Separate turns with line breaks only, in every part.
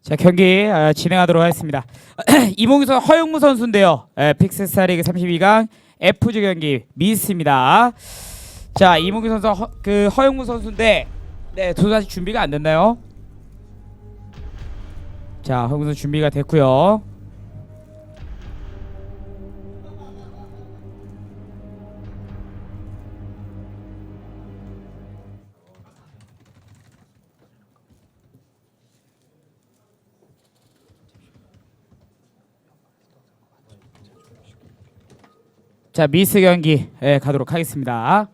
자, 경기 진행하도록 하겠습니다. 이몽규 선수 허영무 선수인데요. 픽스스타리그 32강 F조 경기 미스입니다. 자, 이몽규 선수 허영무 선수인데 도저히 아직 준비가 안 됐나요? 자, 허영무 선수 준비가 됐고요. 자, 미스 경기 가도록 하겠습니다.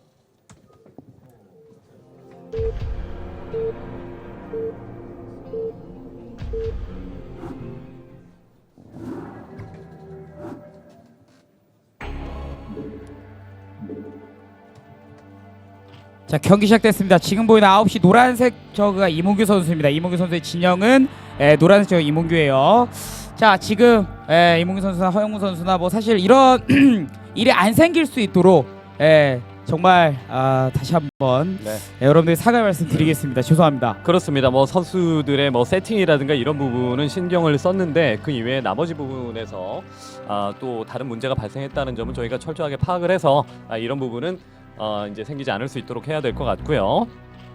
자, 경기 시작됐습니다. 지금 보이는 9시 노란색 저그가 이몽규 선수입니다. 이몽규 선수의 진영은 노란색 저그 이몽규예요. 자, 지금 이몽규 선수나 허영무 선수나 뭐 사실 이런 일이 안 생길 수 있도록 정말 다시 한번 여러분들 사과의 말씀드리겠습니다. 죄송합니다.
그렇습니다. 뭐 선수들의 뭐 세팅이라든가 이런 부분은 신경을 썼는데 그 이외에 나머지 부분에서 또 다른 문제가 발생했다는 점은 저희가 철저하게 파악을 해서 이런 부분은 이제 생기지 않을 수 있도록 해야 될 것 같고요.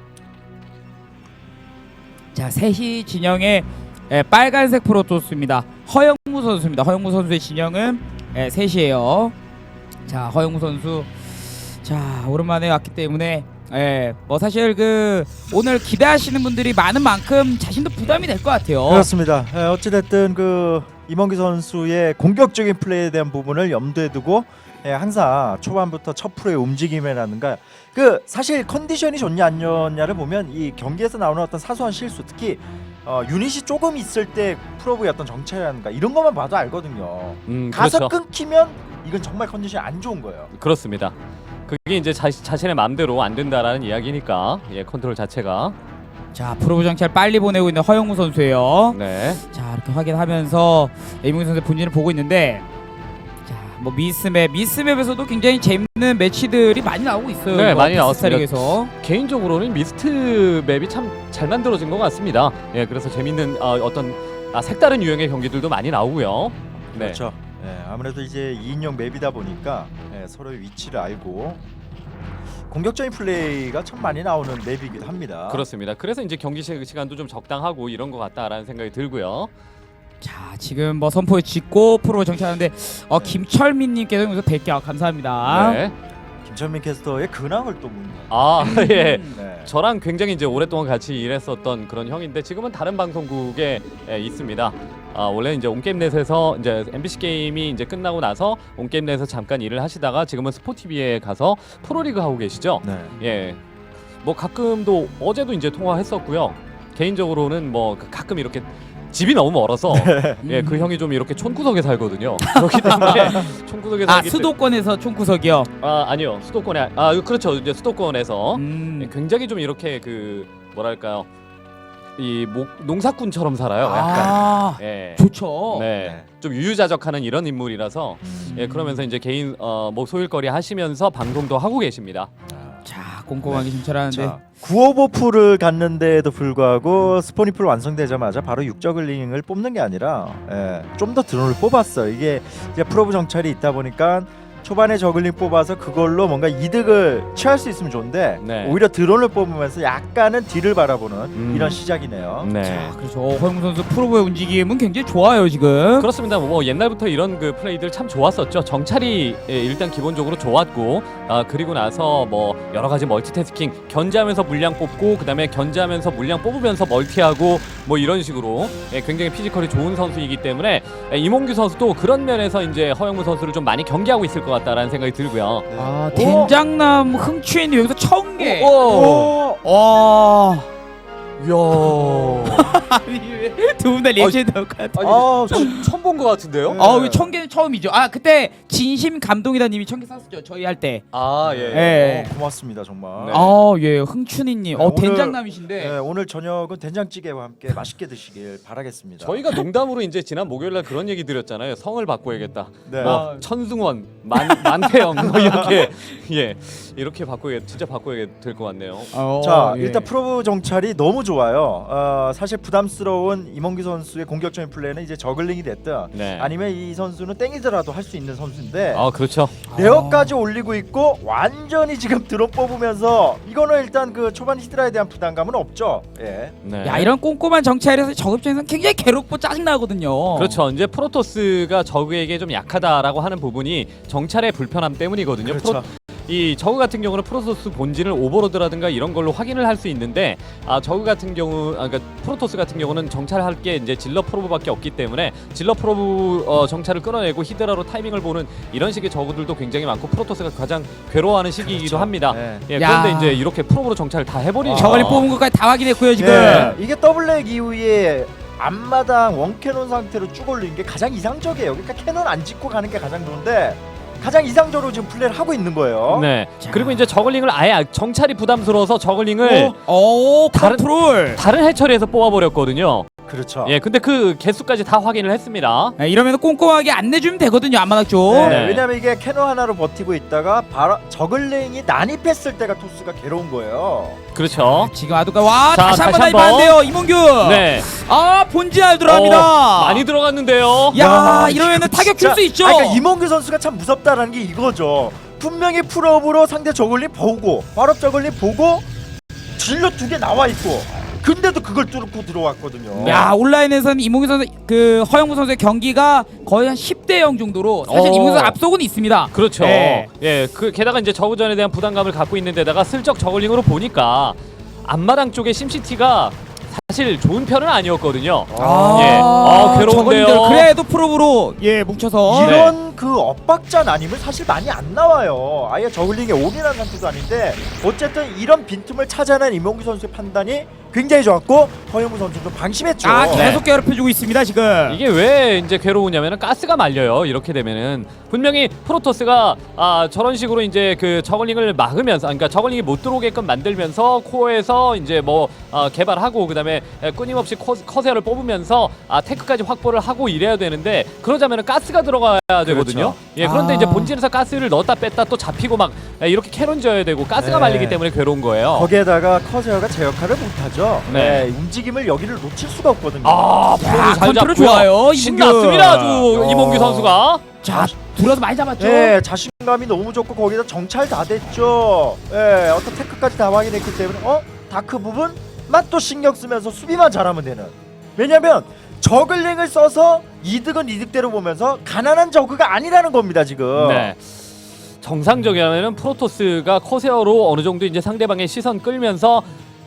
자, 3시 진영의 빨간색 프로토스입니다. 허영무 선수입니다. 허영무 선수의 진영은 3시예요. 자, 허영무 선수 자, 오랜만에 왔기 때문에 뭐 사실 오늘 기대하시는 분들이 많은 만큼 자신도 부담이 될 것 같아요.
그렇습니다. 어찌됐든 이몽규 선수의 공격적인 플레이에 대한 부분을 염두에 두고 항상 초반부터 첫 프로의 움직임이라든가 사실 컨디션이 좋냐 안 좋냐를 보면 이 경기에서 나오는 어떤 사소한 실수, 특히 유닛이 조금 있을 때 프로브의 어떤 정체라든가 이런 것만 봐도 알거든요. 가서
그렇죠.
끊기면 이건 정말 컨디션이 안 좋은 거예요.
그렇습니다. 그게 이제 자신의 마음대로 안 된다라는 이야기니까 컨트롤 자체가.
자, 프로브 정찰 빨리 보내고 있는 허영무 선수예요.
네.
자, 이렇게 확인하면서 이몽규 선수의 본진을 보고 있는데 자, 뭐 미스맵에서도 굉장히 재밌는 매치들이 많이 나오고 있어요.
네, 많이 나왔습니다.
스타리그에서.
개인적으로는 미스트 맵이 참 잘 만들어진 것 같습니다. 그래서 재밌는 어떤 색다른 유형의 경기들도 많이 나오고요. 네.
그렇죠. 아무래도 이제 2인용 맵이다 보니까 서로의 위치를 알고 공격적인 플레이가 참 많이 나오는 맵이기도 합니다.
그렇습니다. 그래서 이제 경기 시간도 좀 적당하고 이런 것 같다라는 생각이 들고요.
자, 지금 뭐 선포에 짓고 프로 정찰하는데 김철민님께서 여기서 100개 감사합니다.
네.
김철민 캐스터의 근황을 또 묻는.
예.
네.
저랑 굉장히 이제 오랫동안 같이 일했었던 그런 형인데 지금은 다른 방송국에 있습니다. 원래 이제 온게임넷에서 이제 MBC 게임이 이제 끝나고 나서 온게임넷에서 잠깐 일을 하시다가 지금은 스포티비에 가서 프로리그 하고 계시죠.
네.
예. 뭐 가끔도 어제도 이제 통화했었고요. 개인적으로는 뭐 가끔 이렇게 집이 너무 멀어서 그 형이 좀 이렇게 촌구석에 살거든요. 그렇기 때문에 촌구석에 살기
수도권에서 총구석이요.
아니요. 수도권에 그렇죠. 이제 수도권에서 굉장히 좀 이렇게 뭐랄까요? 이 농사꾼처럼 살아요. 약간. 예.
좋죠.
네. 좀 유유자적하는 이런 인물이라서 그러면서 이제 개인 뭐 소일거리 하시면서 방송도 하고 계십니다.
자, 꼼꼼하게 정찰하는데
955풀을 갔는데도 불구하고 스포니풀 완성되자마자 바로 육저글링을 뽑는 게 아니라 좀 더 드론을 뽑았어요. 이게 이제 프로브 정찰이 있다 보니까 초반에 저글링 뽑아서 그걸로 뭔가 이득을 취할 수 있으면 좋은데 오히려 드론을 뽑으면서 약간은 뒤를 바라보는 이런 시작이네요.
네.
자, 그렇죠. 허영무 선수 프로브의 움직임은 굉장히 좋아요 지금.
그렇습니다. 뭐 옛날부터 이런 플레이들 참 좋았었죠. 정찰이 일단 기본적으로 좋았고 그리고 나서 뭐 여러 가지 멀티태스킹 견제하면서 물량 뽑고 그다음에 견제하면서 물량 뽑으면서 멀티하고 뭐 이런 식으로 굉장히 피지컬이 좋은 선수이기 때문에 이몽규 선수도 그런 면에서 이제 허영무 선수를 좀 많이 경계하고 있을 것 같다라는 생각이 들고요.
된장남 흥취인 여기서 1000개.
와. 이야.
두 분 다 레전드 것 같아.
처음 본 것 같은데요?
왜 1000개는 처음이죠. 그때 진심 감동이다님이 1000개 쐈었죠. 저희 할 때.
예.
고맙습니다 정말.
네.
예, 흥춘이님.
오늘,
된장남이신데.
오늘 저녁은 된장찌개와 함께 맛있게 드시길 바라겠습니다.
저희가 농담으로 이제 지난 목요일날 그런 얘기 드렸잖아요. 성을 바꿔야겠다.
네.
뭐 천승원, 만태영 뭐 이렇게 이렇게 진짜 바꿔야 될 것 같네요.
자, 일단 프로브 정찰이 너무 좋아요. 사실 사실 부담스러운 이몽규 선수의 공격적인 플레이는 이제 저글링이 됐든
네.
아니면 이 선수는 땡이더라도 할 수 있는 선수인데
그렇죠.
레어까지 올리고 있고 완전히 지금 드론 뽑으면서 이거는 일단 그 초반 히드라에 대한 부담감은 없죠. 예.
네.
야, 이런 꼼꼼한 정찰에서 저 입장에서는 굉장히 괴롭고 짜증나거든요.
그렇죠. 이제 프로토스가 저그에게 좀 약하다라고 하는 부분이 정찰의 불편함 때문이거든요.
그렇죠.
이 저그 같은 경우는 프로토스 본진을 오버로드라든가 이런 걸로 확인을 할 수 있는데 저그 같은 경우 그러니까 프로토스 같은 경우는 정찰할 게 이제 질러 프로브밖에 없기 때문에 질러 프로브 정찰을 끊어내고 히드라로 타이밍을 보는 이런 식의 저그들도 굉장히 많고 프로토스가 가장 괴로워하는 시기이기도
그렇죠.
합니다.
네.
예,
야.
그런데 이제 이렇게 프로브로 정찰을 다 해버리니까
저걸리 뽑은 것까지 다 확인했고요 지금.
예. 이게 더블랙 이후에 앞마당 원캐논 상태로 쭉 올리는 게 가장 이상적이에요. 그러니까 캐논 안 짓고 가는 게 가장 좋은데 가장 이상적으로 지금 플레이를 하고 있는 거예요.
네.
자.
그리고 이제 저글링을 아예 정찰이 부담스러워서 저글링을 다른-
컨트롤.
다른 해처리에서 뽑아버렸거든요.
그렇죠.
예, 근데 그 개수까지 다 확인을 했습니다.
네, 이러면 꼼꼼하게 안 내주면 되거든요 앞마당 쪽.
네,
네.
왜냐면 이게 캐논 하나로 버티고 있다가 바로 저글링이 난입했을 때가 토스가 괴로운 거예요.
그렇죠.
지금 아두가 와
자,
다시 한번
다시
나이봤는데요 이몽규.
네.
아 본진알 들어갑니다.
많이 들어갔는데요.
야 이러면은 타격 줄
진짜-
수 있죠.
그러니까 이몽규 선수가 참 무섭다라는 게 이거죠. 분명히 풀업으로 상대 저글링 보고 발업 저글링 보고 질러 2개 나와 있고 근데도 그걸 뚫고 들어왔거든요.
야 온라인에서는 이몽규 선수 그 허영무 선수의 경기가 거의 한 10대 0 정도로 사실 이몽규 선수 앞서고는 있습니다.
그렇죠.
네.
예, 그 게다가 이제 저우전에 대한 부담감을 갖고 있는 데다가 슬쩍 저글링으로 보니까 앞마당 쪽에 심시티가 사실 좋은 편은 아니었거든요. 괴로운데요.
저거님들 그래도 프로브로 뭉쳐서
이런 그 엇박자 나님은 사실 많이 안 나와요. 아예 저글링에 올인한 상태도 아닌데 어쨌든 이런 빈틈을 찾아낸 이몽규 선수의 판단이 굉장히 좋았고 허영무 선수도 방심했죠.
계속 괴롭혀주고 있습니다 지금.
이게 왜 이제 괴로우냐면은 가스가 말려요. 이렇게 되면은 분명히 프로토스가 저런 식으로 이제 그 저글링을 막으면서, 그러니까 저글링이 못 들어오게끔 만들면서 코어에서 이제 뭐 개발하고 그다음에 끊임없이 커세어를 뽑으면서 테크까지 확보를 하고 이래야 되는데 그러자면은 가스가 들어가야 되거든요. 예, 그런데 이제 본진에서 가스를 넣었다 뺐다 또 잡히고 막 이렇게 캐논 지어야 되고 가스가
네.
말리기 때문에 괴로운 거예요.
거기에다가 커세어가 제 역할을 못하죠.
네.
움직임을 여기를 놓칠 수가 없거든요.
프로브 잘
컨트롤
잡고요.
좋아요, 이몽규.
신났습니다 아주 이몽규 선수가.
자 들어서 많이 잡았죠.
네, 자신감이 너무 좋고 거기다 정찰 다 됐죠. 예, 어떤 테크까지 다 확인했기 때문에 다크 부분만 또 신경 쓰면서 수비만 잘하면 되는. 왜냐면 저글링을 써서 이득은 이득대로 보면서 가난한 저그가 아니라는 겁니다 지금.
네. 정상적이라면은 프로토스가 커세어로 어느 정도 이제 상대방의 시선 끌면서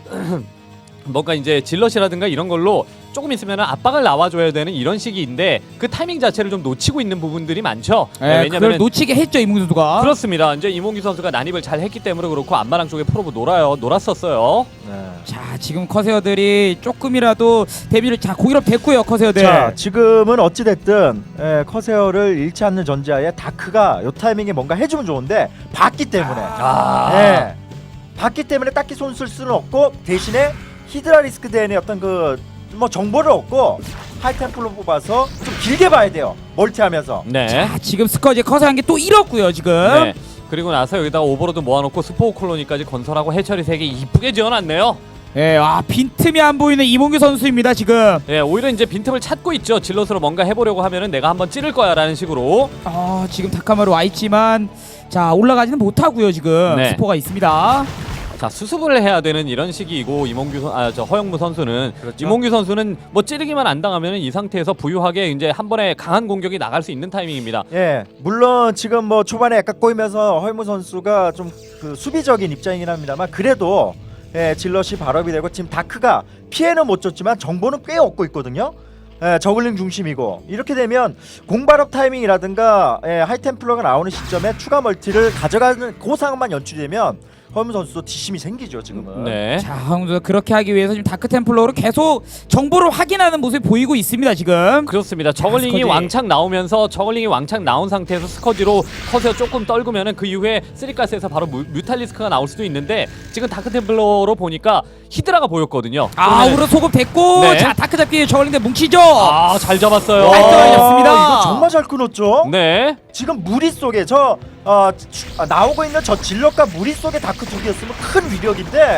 뭔가 이제 질럿이라든가 이런 걸로 조금 있으면 압박을 나와줘야 되는 이런 시기인데 그 타이밍 자체를 좀 놓치고 있는 부분들이 많죠.
네, 그걸 놓치게 했죠 이몽규 선수가.
그렇습니다. 이제 이몽규 선수가 난입을 잘 했기 때문에 그렇고 앞마당 쪽에 프로브 놀았었어요.
네.
자 지금 커세어들이 조금이라도 데뷔를 공일업 됐고요 커세어들.
자, 지금은 어찌 됐든 커세어를 잃지 않는 전제하에 다크가 요 타이밍에 뭔가 해주면 좋은데 봤기 때문에. 예. 봤기 때문에 딱히 손 쓸 수는 없고 대신에 히드라 리스크 대의 어떤 그 뭐 정보를 얻고 하이템플로 뽑아서 좀 길게 봐야 돼요. 멀티하면서.
네.
자 지금 스커지 커세어 한 개 또 잃었고요 지금.
네. 그리고 나서 여기다가 오버로드 모아놓고 스포 콜로니까지 건설하고 해처리 3개 이쁘게 지어놨네요.
예, 빈틈이 안 보이는 이몽규 선수입니다 지금.
예, 오히려 이제 빈틈을 찾고 있죠. 질럿으로 뭔가 해보려고 하면은 내가 한번 찌를 거야라는 식으로.
지금 다카마루 와 있지만 자 올라가지는 못하고요 지금.
네.
스포가 있습니다.
자, 수습을 해야 되는 이런 시기이고 허영무 선수는
그렇죠.
이몽규 선수는 뭐 찌르기만 안 당하면은 이 상태에서 부유하게 이제 한 번에 강한 공격이 나갈 수 있는 타이밍입니다.
예, 물론 지금 뭐 초반에 약간 꼬이면서 허영무 선수가 좀 그 수비적인 입장이긴 합니다만 그래도 질럿이 발업이 되고 지금 다크가 피해는 못 줬지만 정보는 꽤 얻고 있거든요. 저글링 중심이고 이렇게 되면 공발업 타이밍이라든가 하이템플러가 나오는 시점에 추가 멀티를 가져가는 그 상황만 연출되면 허영무 선수도 뒷심이 생기죠 지금은.
네.
자 허영무 선수 그렇게 하기 위해서 지금 다크 템플러로 계속 정보를 확인하는 모습이 보이고 있습니다 지금.
그렇습니다. 저글링이
스커지.
왕창 나오면서 저글링이 왕창 나온 상태에서 스커지로 커세어 조금 떨구면은 그 이후에 쓰리가스에서 바로 뮤탈리스크가 나올 수도 있는데 지금 다크템플러로 보니까 히드라가 보였거든요.
아우로 소급 됐고
네.
자 다크 잡기 저글링들 뭉치죠.
잘 잡았어요.
깔끔하게 잡습니다.
이거 정말 잘 끊었죠.
네.
지금 무리 속에 나오고 있는 저 질럿과 무리 속에 다크 두 개였으면 큰 위력인데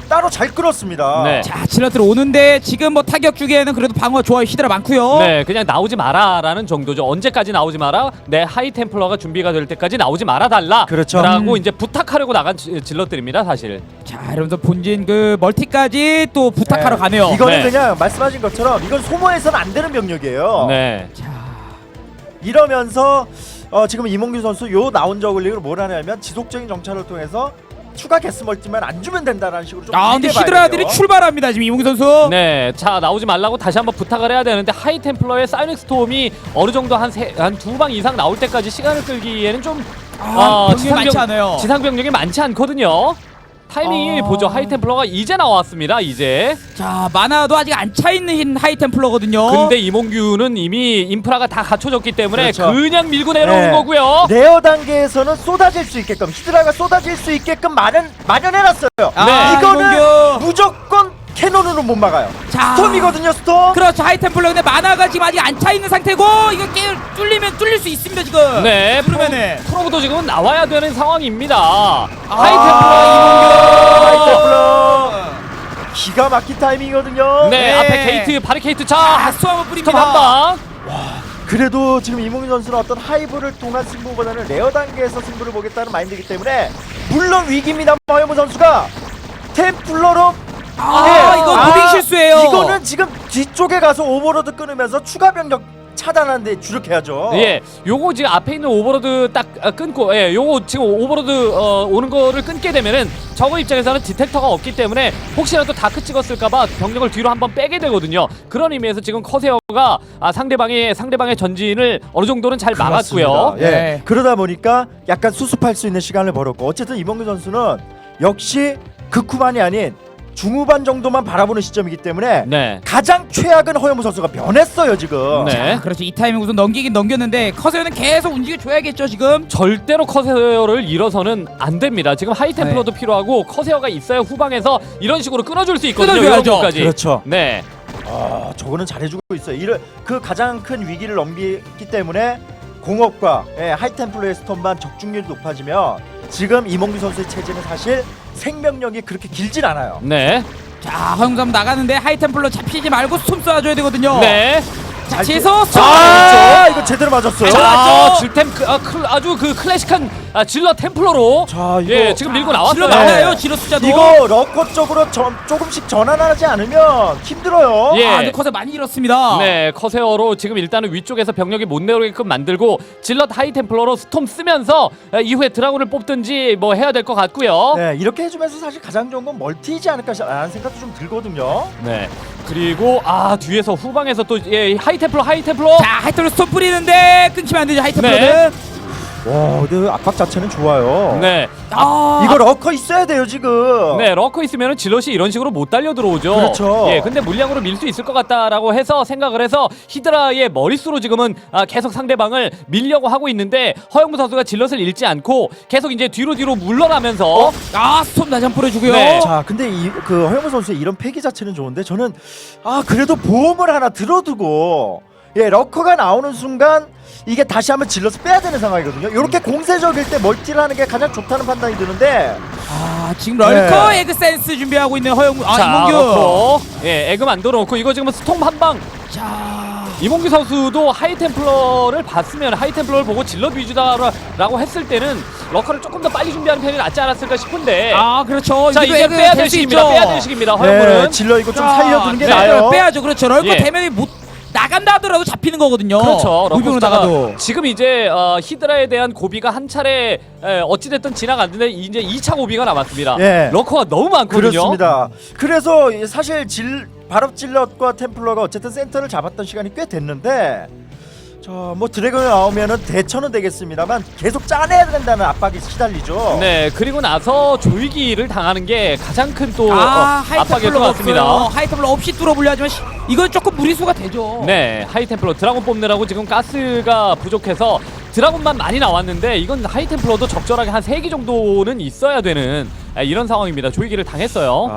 따로 잘 끌었습니다.
네.
자, 질럿들 오는데 지금 뭐 타격 주기에는 그래도 방어 좋아요. 히드라 많고요.
네, 그냥 나오지 마라라는 정도죠. 언제까지 나오지 마라? 내 하이 템플러가 준비가 될 때까지 나오지 말아 달라.
그렇죠.
라고 이제 부탁하려고 나간 질럿들입니다, 사실.
자, 이러면서 본진 그 멀티까지 또 부탁하러
네.
가네요.
이거는
네.
그냥 말씀하신 것처럼 이건 소모해서는 안 되는 병력이에요.
네.
자,
이러면서 지금 이몽규 선수 요 나온 저글링을 뭘 하냐면 지속적인 정찰을 통해서 추가 게스 멀티만 안 주면 된다라는 식으로 좀
아, 근데
길게 봐야
히드라들이
돼요.
출발합니다. 지금 이몽규 선수.
네, 자 나오지 말라고 다시 한번 부탁을 해야 되는데 하이 템플러의 사이닉 스톰이 어느 정도 한 두 방 이상 나올 때까지 시간을 끌기에는 좀
병력이 많지 않아요.
지상 병력이 많지 않거든요. 타이밍이 보죠. 하이 템플러가 이제 나왔습니다. 이제.
자, 마나도 아직 안 차 있는 하이템플러거든요.
근데 이몽규는 이미 인프라가 다 갖춰졌기 때문에
그렇죠.
그냥 밀고 내려오는
네.
거고요.
레어 단계에서는 쏟아질 수 있게끔 히드라가 쏟아질 수 있게끔 마련해놨어요.
네.
이거는
이몽규.
무조건 캐논으로 못 막아요.
자,
스톰이거든요, 스톰.
그렇죠. 하이템플러 근데 마나가 지금 아직 안 차 있는 상태고 이거 뚫리면 뚫릴 수 있습니다 지금.
네,
그러면은
프로브도 지금은 나와야 되는 상황입니다. 하이
하이템플러 기가 막힌 타이밍이거든요.
네,
네.
앞에 게이트, 바리케이트
아,
차.
수함을
스톱
뿌립니다.
한 방.
그래도 지금 이몽규 선수는 어떤 하이브를 통한 승부보다는 레어 단계에서 승부를 보겠다는 마인드이기 때문에 물론 위기입니다. 허영무 선수가 템플러로
이거 무빙 실수예요.
이거는 지금 뒤쪽에 가서 오버로드 끊으면서 추가 병력 차단하는데 주력해야죠.
예, 요거 지금 앞에 있는 오버로드 딱 끊고, 예, 요거 지금 오버로드 오는 거를 끊게 되면은 저거 입장에서는 디텍터가 없기 때문에 혹시라도 다크 찍었을까봐 병력을 뒤로 한번 빼게 되거든요. 그런 의미에서 지금 커세어가 상대방의 전진을 어느 정도는 잘 막았고요.
예.
네.
그러다 보니까 약간 수습할 수 있는 시간을 벌었고 어쨌든 이범규 선수는 역시 극후반이 아닌 중후반 정도만 바라보는 시점이기 때문에
네.
가장 최악은 허영무 선수가 변했어요 지금.
네.
자, 그렇죠. 이 타이밍 우선 넘기긴 넘겼는데 커세어는 계속 움직여줘야겠죠 지금.
절대로 커세어를 잃어서는 안 됩니다. 지금 하이템플러도 필요하고 커세어가 있어야 후방에서 이런 식으로 끊어줄 수 있거든요.
끊어줘야죠.
이런 것까지.
그렇죠.
네.
저거는 잘해주고 있어요. 그 가장 큰 위기를 넘기기 때문에 공업과 하이템플러의 스톤만 적중률이 높아지면 지금 이몽규 선수의 체제는 사실 생명력이 그렇게 길진 않아요.
네.
자, 허영삼 나가는데 하이템플러 잡히지 말고 스톰 쏴줘야 되거든요.
네.
자, 지에서 스톰.
이거 제대로 맞았어요.
자, 질템 아주 그 클래식한 질러 템플러로
자, 이거
예, 지금 밀고 나왔어요.
질러 많아요. 질러 숫자도.
이거 러커 쪽으로 조금씩 전환하지 않으면 힘들어요.
예.
근데 커세 많이 잃었습니다.
네, 커세어로 지금 일단은 위쪽에서 병력이 못 내려오게끔 만들고 질럿 하이 템플러로 스톰 쓰면서 이후에 드라군을 뽑든지 뭐 해야 될 것 같고요.
네, 이렇게 해주면서 사실 가장 좋은 건 멀티이지 않을까라는 생각도 좀 들거든요.
네. 그리고 뒤에서 후방에서 또 하이 템플러
자, 하이템플러 스톰 뿌리는데 끊기면 안 되죠. 하이템플러는.
와, 근데 압박 자체는 좋아요.
네.
이거 러커 있어야 돼요 지금.
네, 러커 있으면은 질럿이 이런 식으로 못 달려 들어오죠.
그렇죠.
예, 근데 물량으로 밀 수 있을 것 같다라고 해서 생각을 해서 히드라의 머릿수로 지금은 계속 상대방을 밀려고 하고 있는데 허영무 선수가 질럿을 잃지 않고 계속 이제 뒤로 물러나면서
스톰 다시 한번 뿌려주고요.
네.
자, 근데 그 허영무 선수의 이런 패기 자체는 좋은데 저는 그래도 보험을 하나 들어두고 러커가 나오는 순간 이게 다시 한번 질러서 빼야 되는 상황이거든요. 이렇게 공세적일 때 멀티를 하는 게 가장 좋다는 판단이 드는데
지금 럴커 에그 센스 준비하고 있는 허영무.
자,
이몽규.
넣고, 에그 만들어 놓고 이거 지금 스톰 한 방.
자,
이몽규 선수도 하이템플러를 봤으면 하이템플러를 보고 질럿 위주다라고 했을 때는 러커를 조금 더 빨리 준비하는 편이 낫지 않았을까 싶은데
그렇죠.
자,
이것도
이제
에그
빼야
될
될
수
시기입니다.
있죠.
빼야 될 시기입니다. 허영무는.
질러 이거 좀
자,
살려두는 게
네.
나아요.
빼야죠. 그렇죠. 럴커
예.
되면 나간다 하더라도 잡히는 거거든요.
그렇죠.
무빙으로
러커스타가
나가도.
지금 이제 히드라에 대한 고비가 한 차례 어찌됐든 지나갔는데 이제 2차 고비가 남았습니다.
예.
러커가 너무 많거든요.
그렇습니다. 그래서 사실 바로 질럿과 템플러가 어쨌든 센터를 잡았던 시간이 꽤 됐는데 뭐 드래곤이 나오면은 대처는 되겠습니다만 계속 짜내야 된다는 압박이 시달리죠.
네, 그리고 나서 조이기를 당하는 게 가장 큰 또 압박일 것 같습니다.
하이템플러 없이 뚫어보려 하지만 이건 조금 무리수가 되죠.
네, 하이템플러 드라곤 뽑느라고 지금 가스가 부족해서 드라곤만 많이 나왔는데 이건 하이템플러도 적절하게 한 3기 정도는 있어야 되는 이런 상황입니다. 조이기를 당했어요.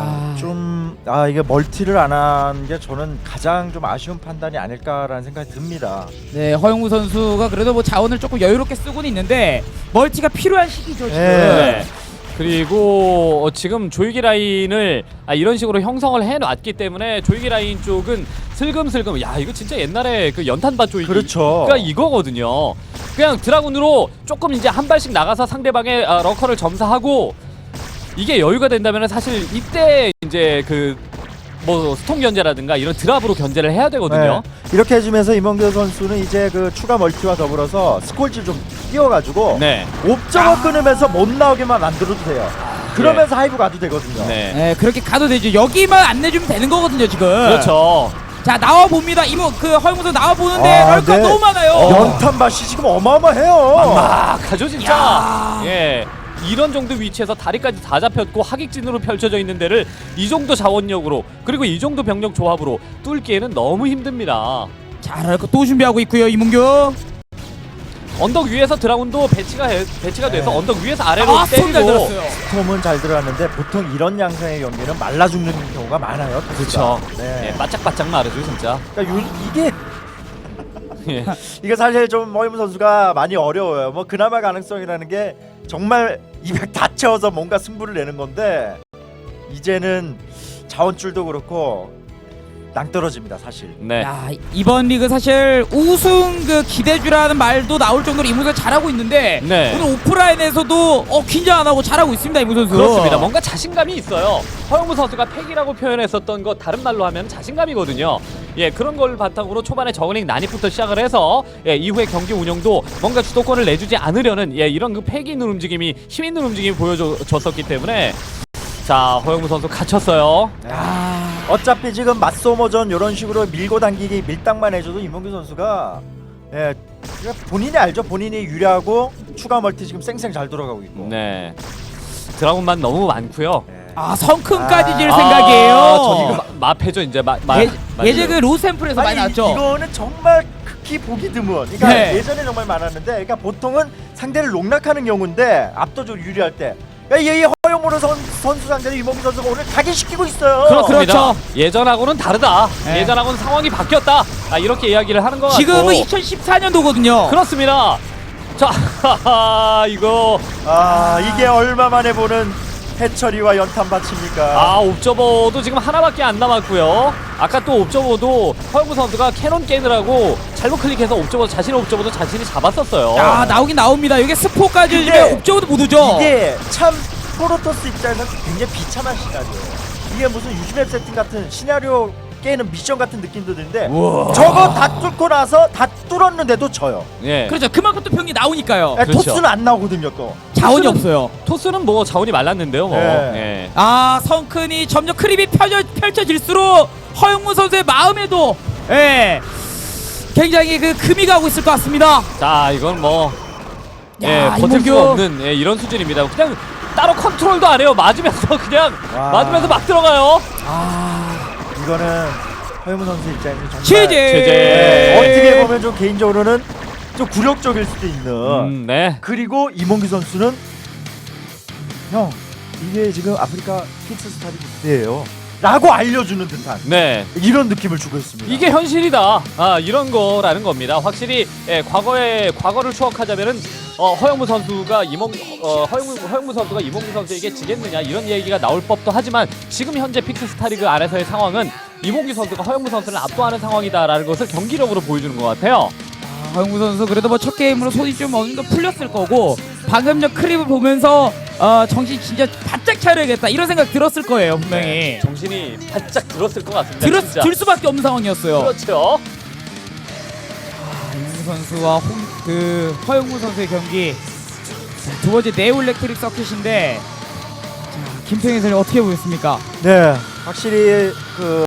이게 멀티를 안 한 게 저는 가장 좀 아쉬운 판단이 아닐까라는 생각이 듭니다.
네, 허영무 선수가 그래도 뭐 자원을 조금 여유롭게 쓰고는 있는데 멀티가 필요한 시기죠 지금.
네.
그리고 지금 조이기 라인을 이런 식으로 형성을 해놨기 때문에 조이기 라인 쪽은 슬금슬금 야 이거 진짜 옛날에 그 연탄밭 조이기가
그렇죠.
이거거든요. 그냥 드라군으로 조금 이제 한 발씩 나가서 상대방의 러커를 점사하고 이게 여유가 된다면 사실 이때 이제 그 뭐 스톰 견제라든가 이런 드랍으로 견제를 해야 되거든요.
네. 이렇게 해주면서 임원규 선수는 이제 그 추가 멀티와 더불어서 스콜지 좀 띄워가지고
네.
옵저버 끊으면서 못 나오게만 만들어도 돼요. 그러면서 하이브 가도 되거든요.
네.
네, 그렇게 가도 되죠. 여기만 안 내주면 되는 거거든요, 지금.
그렇죠.
자, 나와 봅니다. 그 허용무선 나와 보는데
아,
럴커
네.
너무 많아요.
연탄밭이 지금 어마어마해요.
막하죠 진짜.
야.
예. 이런 정도 위치에서 다리까지 다 잡혔고 하객진으로 펼쳐져 있는 데를 이 정도 자원력으로 그리고 이 정도 병력 조합으로 뚫기에는 너무 힘듭니다.
자, 럴커 또 준비하고 있고요, 이문규.
언덕 위에서 드라군도 배치가 돼서
네.
언덕 위에서 아래로
아, 손 잘
때리고
들었어요.
톰은 잘 들어갔는데 보통 이런 양상의 경기는 말라 죽는 경우가 많아요.
그렇죠.
네.
예, 바짝바짝 마르죠 진짜.
그러니까 이게
예.
이게 사실 좀 허이무 선수가 많이 어려워요. 뭐 그나마 가능성이라는 게 정말 200 다 채워서 뭔가 승부를 내는 건데 이제는 자원줄도 그렇고 낭떨어집니다 사실.
네.
야, 이번 리그 사실 우승 그 기대주라는 말도 나올 정도로 이문선 잘하고 있는데
네.
오늘 오프라인에서도 긴장 안 하고 잘하고 있습니다, 이문 선수.
그렇습니다. 뭔가 자신감이 있어요. 허영무 선수가 패기라고 표현했었던 거 다른 말로 하면 자신감이거든요. 예, 그런 걸 바탕으로 초반에 저글링 난입부터 시작을 해서 이후에 경기 운영도 뭔가 주도권을 내주지 않으려는 이런 그 패기 있는 움직임이 힘 있는 움직임이 보여줬었기 때문에 자 허영무 선수 갇혔어요.
어차피 지금 맞소모전 이런 식으로 밀고 당기기 밀당만 해줘도 임원규 선수가 그러니까 본인이 알죠. 본인이 유리하고 추가 멀티 지금 쌩쌩 잘 돌아가고 있고.
네. 드라군만 너무 많고요.
성큼까지 질
아,
생각이에요.
저기 마패죠 이제
예전 그 로스앰플에서 많이 나왔죠.
이거는 정말 극히 보기 드문. 그러니까
네.
예전에 정말 많았는데, 그러니까 보통은 상대를 농락하는 경우인데 압도적으로 유리할 때. 이 허용무로 선수 상대로 이몽규 선수가 오늘 각인시키고 있어요.
그렇습니다.
그렇죠.
예전하고는 다르다.
네.
예전하고는 상황이 바뀌었다. 이렇게 이야기를 하는 것 같고.
지금은 2014년도거든요.
그렇습니다. 자, 이거
이게 얼마 만에 보는 해처리와 연탄밭입니까?
옵저버도 지금 하나밖에 안 남았고요. 아까 또 옵저버도 허영무 선수가 캐논 깨느라고 잘못 클릭해서 자신의 옵저버도 자신이 잡았었어요.
야, 나오긴 나옵니다. 이게 스포까지
근데
주면 옵저버도 못 오죠.
이게 참 프로토스 입장에서 굉장히 비참한 시나리오예요. 이게 무슨 유즈맵 세팅 같은 시나리오 깨는 미션 같은 느낌도 드는데
우와.
저거 다 뚫고 나서 다 뚫었는데도 져요.
예.
그렇죠. 그만큼 또 병이 나오니까요.
그렇죠.
토스는 안 나오거든요 또.
자원이
토스는-
없어요.
토스는 뭐 자원이 말랐는데요. 뭐.
네.
예.
성큰이 점점 크립이 펼쳐질수록 허용무 선수의 마음에도 굉장히 그 금이 가고 있을 것 같습니다.
자, 이건 뭐
야,
버틸 수가
이몽규.
없는 이런 수준입니다. 그냥 따로 컨트롤도 안 해요. 맞으면서 그냥
와.
맞으면서 막 들어가요.
이거는 허영무 선수 입장에서 정말
제재.
어떻게 보면 좀 개인적으로는 좀 굴욕적일 수도 있는.
네.
그리고 이몽규 선수는 형 이게 지금 아프리카 픽스스타일 무대예요 라고 알려주는 듯한
네.
이런 느낌을 주고 있습니다.
이게 현실이다. 이런 거라는 겁니다. 확실히 과거를 추억하자면은 허영무 선수가 허영무 선수가 이몽규 선수에게 지겠느냐 이런 얘기가 나올 법도 하지만 지금 현재 픽스스타리그 안에서의 상황은 이몽규 선수가 허영무 선수를 압도하는 상황이다라는 것을 경기력으로 보여주는 것 같아요.
허용무 선수 그래도 뭐 첫 게임으로 손이 좀 어느 정도 풀렸을 거고 방금 전 크립을 보면서 정신 진짜 바짝 차려야겠다 이런 생각 들었을 거예요 분명히.
정신이 바짝 들었을 것 같습니다. 진짜.
들 수밖에 없는 상황이었어요.
그렇죠.
이몽규 선수와 허용무 선수의 경기. 자, 두 번째 네올렉트릭 서킷인데 김평희 선수 어떻게 보였습니까?
네, 확실히 그